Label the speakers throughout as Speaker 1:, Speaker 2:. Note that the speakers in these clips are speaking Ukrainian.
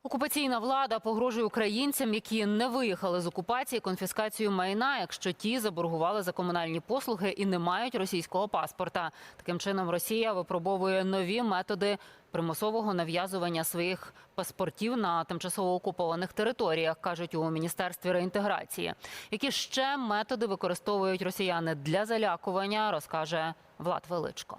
Speaker 1: Окупаційна влада погрожує українцям, які не виїхали з окупації, конфіскацією майна, якщо ті заборгували за комунальні послуги і не мають російського паспорта. Таким чином, Росія випробовує нові методи примусового нав'язування своїх паспортів на тимчасово окупованих територіях, кажуть у Міністерстві реінтеграції. Які ще методи використовують росіяни для залякування, розкаже Влад Величко.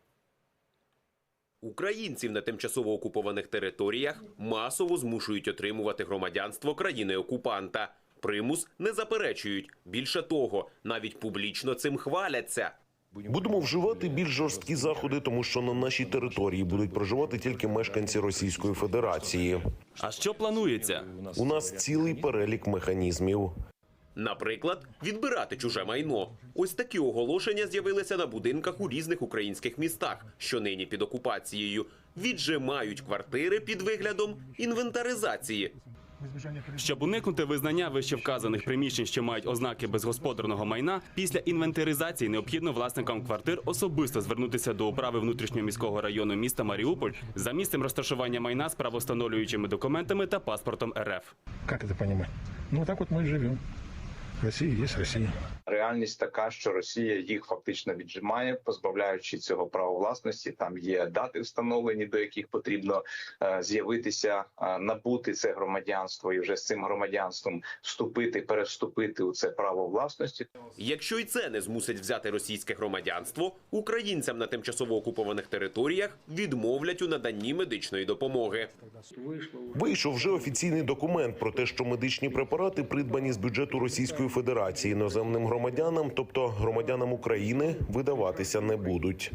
Speaker 2: Українців на тимчасово окупованих територіях масово змушують отримувати громадянство країни-окупанта. Примус не заперечують. Більше того, навіть публічно цим хваляться.
Speaker 3: Будемо вживати більш жорсткі заходи, тому що на нашій території будуть проживати тільки мешканці Російської Федерації.
Speaker 4: А що планується?
Speaker 3: У нас цілий перелік механізмів.
Speaker 2: Наприклад, відбирати чуже майно. Ось такі оголошення з'явилися на будинках у різних українських містах, що нині під окупацією. Віджимають квартири під виглядом інвентаризації.
Speaker 4: Щоб уникнути визнання вищевказаних приміщень, що мають ознаки безгосподарного майна, після інвентаризації необхідно власникам квартир особисто звернутися до управи внутрішньоміського району міста Маріуполь за місцем розташування майна з правовстановлюючими документами та паспортом РФ.
Speaker 5: Как это понимать? Ну, вот так вот мы и живем. Россия есть Россия.
Speaker 6: Реальність така, що Росія їх фактично віджимає, позбавляючи цього права власності. Там є дати встановлені, до яких потрібно з'явитися, набути це громадянство і вже з цим громадянством перевступити у це право власності.
Speaker 2: Якщо й це не змусить взяти російське громадянство, українцям на тимчасово окупованих територіях відмовлять у наданні медичної допомоги.
Speaker 3: Вийшов вже офіційний документ про те, що медичні препарати, придбані з бюджету Російської Федерації іноземним громадянам, тобто громадянам України, видаватися не будуть.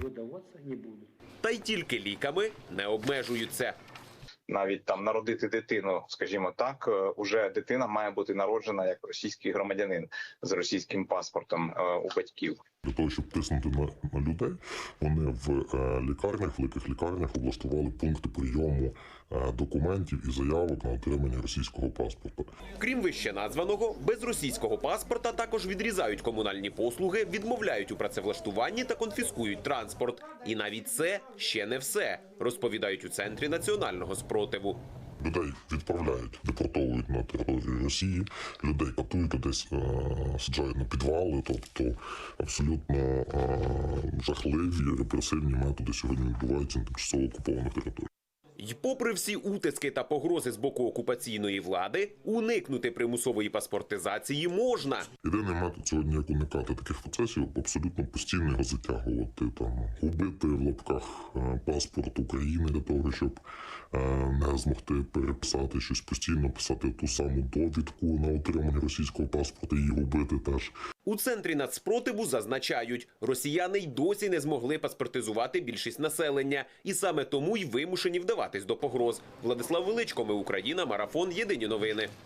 Speaker 2: Та й тільки ліками не обмежуються.
Speaker 6: Навіть там народити дитину, скажімо так, уже дитина має бути народжена як російський громадянин з російським паспортом у батьків.
Speaker 7: Для того, щоб тиснути на людей, вони в лікарнях, великих лікарнях облаштували пункти прийому документів і заявок на отримання російського паспорта.
Speaker 2: Крім вище названого, без російського паспорта також відрізають комунальні послуги, відмовляють у працевлаштуванні та конфіскують транспорт. І навіть це ще не все, розповідають у Центрі національного спротиву.
Speaker 7: Людей відправляють, депортовують на територію Росії, людей катують, людей саджають на підвали, тобто абсолютно жахливі репресивні методи сьогодні відбуваються на тимчасово окупованих територіях.
Speaker 2: І попри всі утиски та погрози з боку окупаційної влади, уникнути примусової паспортизації можна.
Speaker 7: Єдиний метод сьогодні, як уникати таких процесів, абсолютно постійно його затягувати, губити в лапках паспорт України для того, щоб не змогти переписати щось постійно, писати ту саму довідку на отримання російського паспорта і губити теж.
Speaker 2: У Центрі нацспротиву зазначають, росіяни й досі не змогли паспортизувати більшість населення. І саме тому й вимушені вдаватись до погроз. Владислав Величко, Ми Україна, Марафон, Єдині новини.